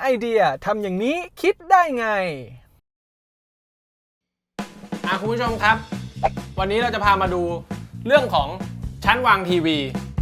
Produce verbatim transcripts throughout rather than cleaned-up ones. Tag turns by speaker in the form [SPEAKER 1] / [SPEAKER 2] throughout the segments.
[SPEAKER 1] ไอเดียทำอย่างนี้คิดได้ไง
[SPEAKER 2] อ่ะคุณผู้ชมครับวันนี้เราจะพามาดูเรื่องของชั้นวางทีวี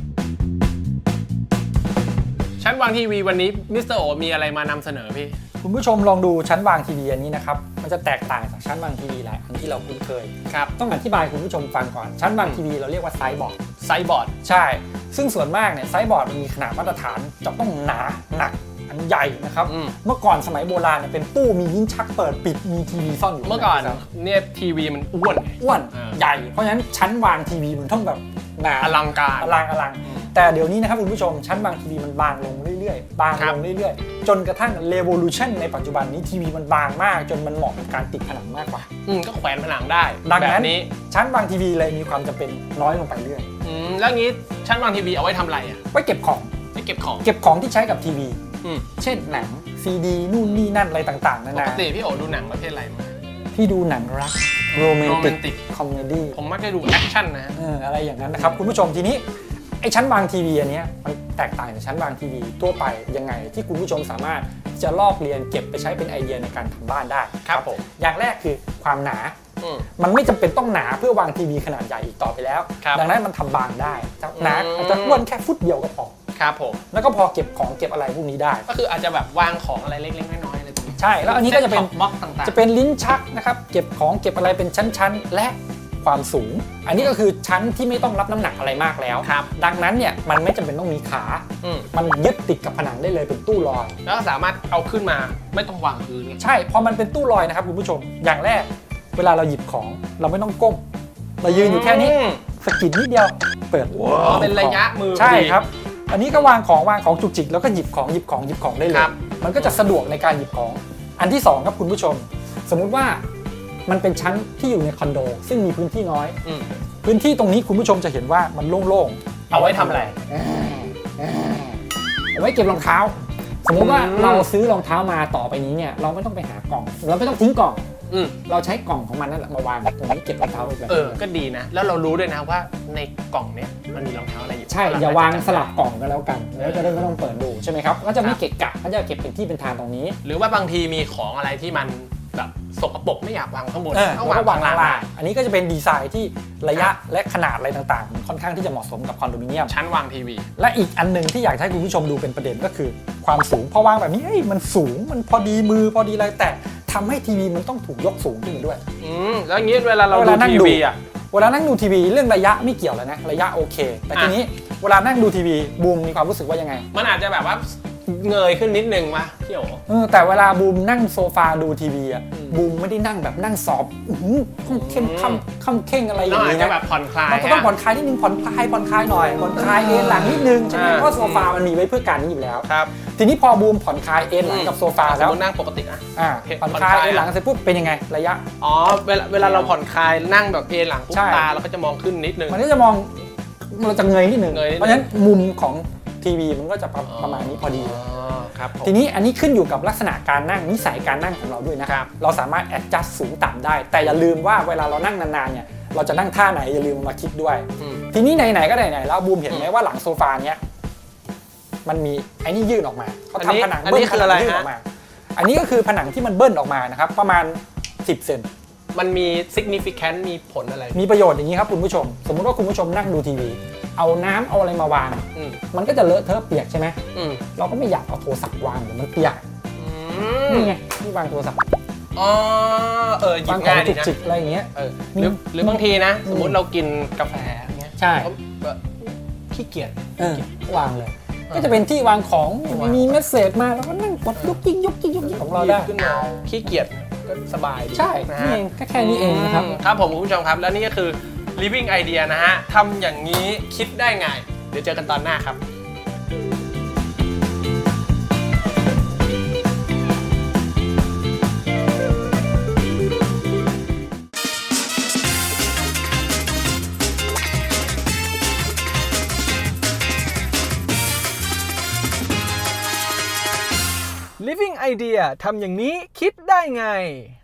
[SPEAKER 2] ชั้นวางทีวีวันนี้มิสเตอร์โอมีอะไรมานำเสนอพี่
[SPEAKER 3] คุณผู้ชมลองดูชั้นวางทีวีอันนี้นะครับมันจะแตกต่างจากชั้นวางทีวีหลายอันที่เราคุ้นเคย
[SPEAKER 2] ครับ
[SPEAKER 3] ต้องอธิบายคุณผู้ชมฟังก่อนชั้นวางทีวีเราเรียกว่าไซส์บอร์ด
[SPEAKER 2] ไซส์บอร์ด
[SPEAKER 3] ใช่ซึ่งส่วนมากเนี่ยไซส์บอร์ดมันมีขนาดมาตรฐานจะต้องหนาหนักอันใหญ่นะครับเมื่อก่อนสมัยโบราณเนี่ยเป็นตู้มีลิ้นชักเปิดปิดมีทีวีซ่อนอยู่
[SPEAKER 2] เมื่อก่อนเนี่ยทีวีมันอ้วน
[SPEAKER 3] อ้วนใหญ่เพราะฉะนั้นชั้นวางทีวีมันต้องแบบหนา
[SPEAKER 2] อลังการ
[SPEAKER 3] อลังอลังแต่เดี๋ยวนี้นะครับคุณผู้ชมชั้นวางทีวีมันบางลงเรื่อยๆบางลงเรื่อยๆจนกระทั่ง Revolution ในปัจจุบันนี้ทีวีมันบางมากจนมันเหมาะกับการติดผนังมากกว่า
[SPEAKER 2] อืมก็แขวนผนังได้
[SPEAKER 3] ดังนั้นชั้นวางทีวีเลยมีความจำเป็นน้อยลงไปเรื่อย
[SPEAKER 2] อืมแล้วงี้ชั้นวางทีวีเอาไว้ทำอะไรอ่ะ
[SPEAKER 3] ไว้เก็บของ
[SPEAKER 2] ไว้เก็บของ
[SPEAKER 3] เก็บของที่ใช้กับทีวีเช่นหนังซีดีนู่นนี่นั่นอะไรต่างๆนานา
[SPEAKER 2] ปกติพี่โอดูหนังประเภทอะไรมา
[SPEAKER 3] พี่ดูหนังรักโรแมนติกคอมเมดี้
[SPEAKER 2] ผมมักจะดูแอคชั่นนะ
[SPEAKER 3] เอออะไรอย่างนั้นนะครับคุณผู้ชมทีนี้ไอ้ชั้นวางทีวีอันนี้มันแตกต่างจากชั้นวางทีวีทั่วไปยังไงที่คุณผู้ชมสามารถจะลอกเรียนเก็บไปใช้เป็นไอเดียในการทำบ้านได้
[SPEAKER 2] ครับผม
[SPEAKER 3] อย่างแรกคือความหนามันไม่จำเป็นต้องหนาเพื่อวางทีวีขนาดใหญ่อีกต่อไปแล้วดังนั้นมันทำบางได้หนาอาจจะอ้วนแค่ฟุตเดียวก็พอ
[SPEAKER 2] ครับผม
[SPEAKER 3] แล้วก็พอเก็บของเก็บอะไรพวกนี้ได้
[SPEAKER 2] ก็คืออาจจะแบบวางของอะไรเล็กๆน้อยๆอะไรตรงนี้
[SPEAKER 3] ใช่แล้วอันนี้ก็จะเป็น
[SPEAKER 2] บล็อกต่างๆ
[SPEAKER 3] จะเป็นลิ้นชักนะครับเก็บของเก็บอะไรเป็นชั้นๆและความสูงอันนี้ก็คือชั้นที่ไม่ต้องรับน้ำหนักอะไรมากแล้วดังนั้นเนี่ยมันไม่จำเป็นต้องมีขามันยึดติดกับผนังได้เลยเป็นตู้ลอย
[SPEAKER 2] แล้วก็สามารถเอาขึ้นมาไม่ต้องวางพื้น
[SPEAKER 3] ใช่พอมันเป็นตู้ลอยนะครับคุณผู้ชมอย่างแรกเวลาเราหยิบของเราไม่ต้องก้มเรายืนอยู่แค่นี้สะกิดนิดเดียวเปิด
[SPEAKER 2] เป็นระยะมือ
[SPEAKER 3] ใช่ครับอันนี้ก็วางของวางของจุกจิกแล้วก็หยิบของหยิบของหยิบของได้เลยมันก็จะสะดวกในการหยิบของอันที่สองครับคุณผู้ชมสมมุติว่ามันเป็นชั้นที่อยู่ในคอนโดซึ่งมีพื้นที่น้อยพื้นที่ตรงนี้คุณผู้ชมจะเห็นว่ามันโล่ง
[SPEAKER 2] ๆเอาไว้ทำอะไร
[SPEAKER 3] เอาไว้เก็บรองเท้าสมมุติว่าเราซื้อรองเท้ามาต่อไปนี้เนี่ยเราไม่ต้องไปหากล่องเราไม่ต้องทิ้งกล่องเราใช้กล่องของมันนั่นแหละมาวางตรงนี้เก็บรองเท้าไป
[SPEAKER 2] เออก็ดีนะแล้วเรารู้ด้วยนะว่าในกล่องเนี้ยมันมีรองเท้าอะไรอยู่
[SPEAKER 3] ใช่อย่าวางสลับกล่องกันแล้วกันแล้วจะได้ไม่ต้องเปิดดูใช่ไหมครับก็จะไม่เกะกะก็จะเก็บเป็นที่เป็นทางตรงนี้
[SPEAKER 2] หรือว่าบางทีมีของอะไรที่มันแบบสกปรกไม่อยากวางข้างบน
[SPEAKER 3] ก็วางวางล่างอันนี้ก็จะเป็นดีไซน์ที่ระยะและขนาดอะไรต่างๆค่อนข้างที่จะเหมาะสมกับคอนโดมิเนียม
[SPEAKER 2] ชั้นวางทีวี
[SPEAKER 3] และอีกอันนึงที่อยากให้คุณผู้ชมดูเป็นประเด็นก็คือความสูงพอวางแบบนี้มันสูงมันพอดีมือพอดีอะไรแต่ทำให้ทีวีมันต้องถูกยกสูงขึ้นมาด้วย
[SPEAKER 2] อืมแล้วอย่างนี้เวลาเราดูทีวีอ่ะ
[SPEAKER 3] เวลานั่งดูทีวีเรื่องระยะไม่เกี่ยวแล้วนะระยะโอเคแต่ทีนี้เวลานั่งดูทีวีบูมมีความรู้สึกว่ายังไง
[SPEAKER 2] มันอาจจะแบบว่าเงยขึ้นนิดนึงวะพี่โอ๋
[SPEAKER 3] เออแต่เวลาบูมนั่งโซฟาดูทีวีอ่ะบูมไม่ได้นั่งแบบนั่งสอบเข้มข้ามข้ามเข่งอะไรอย่างนี้นะ
[SPEAKER 2] แบบผ่อนคลาย
[SPEAKER 3] มันก็ต้องผ่อนคลายนิดนึงผ่อนคลายผ่อนคลายหน่อยผ่อนคลายเอนหลังนิดนึงใช่ไหมเพราะโซฟามันมีไว้เพื่อการนี้อยู่แล้ว
[SPEAKER 2] ครับ
[SPEAKER 3] ทีนี้พอบูมผ่อนคลายเอนหลังกับโซฟาแล้ว
[SPEAKER 2] นั่งปกติอ่ะ
[SPEAKER 3] ผ่อนคลายเอนหลังเสร็จปุ๊บเป็นยังไงระยะ
[SPEAKER 2] อ๋อเวลาเวลาเราผ่อนคลายนั่งแบบเอนหลังปุ๊บตาเราก็จะมองขึ้นนิดนึง
[SPEAKER 3] มันก็จะมองเราจะเงยนิดนึงเพราะฉะนั้นมุมของทีวีมันก็จะประมาณนี้พอดีทีนี้อันนี้ขึ้นอยู่กับลักษณะการนั่งนิสัยการนั่งของเราด้วยนะครับเราสามารถ adjust สูงต่ำได้แต่อย่าลืมว่าเวลาเรานั่งนานๆเนี่ยเราจะนั่งท่าไหนอย่าลืมมาคิดด้วยทีนี้ไหนๆก็ไหนๆแล้วบูมเห็นไหมว่าหลังโซฟาเนี้ยมันมีไอ้นี่ยื่นออกมาเขาทำผนังเบิ้ลผนังยื่นออกมาอันนี้ก็คือผนังที่มันเบิ้ลออกมานะครับประมาณสิบเซน
[SPEAKER 2] มันมี significant มีผลอะไร
[SPEAKER 3] มีประโยชน์อย่างนี้ครับคุณผู้ชมสมมติว่าคุณผู้ชมนั่งดูทีวีเอาน้ำเอาอะไรมาวางมันก็จะเลอะเทอะเปียกใช่ไหมเราก็ไม่อยากเอาโทรศัพท์วางเดี๋ยวมันเปียกนี่ไงที่วางโทรศัพท์
[SPEAKER 2] อ๋อเออหยิบง่ายดีนะ
[SPEAKER 3] จิกอะไรอย่างเงี้ย
[SPEAKER 2] หรือหรือบางทีนะสมมติเรากินกาแฟอย่างเงี้ย
[SPEAKER 3] ใช่
[SPEAKER 2] ขี้เกียจ
[SPEAKER 3] วางเลยก็จะเป็นที่วางของมีเมสเสจมาแล้วก็นั่งกดยกยิงยกยิงยกยิงของเราได้
[SPEAKER 2] ขึ้นมาขี้เกียจก็สบายดี
[SPEAKER 3] ใช่นี่เองแค่นี้เองนะครับ
[SPEAKER 2] ครับผมคุณผู้ชมครับแล้วนี่ก็คือ living idea นะฮะทำอย่างนี้คิดได้ไงเดี๋ยวเจอกันตอนหน้าครับ
[SPEAKER 1] Living Idea ทำอย่างนี้คิดได้ไง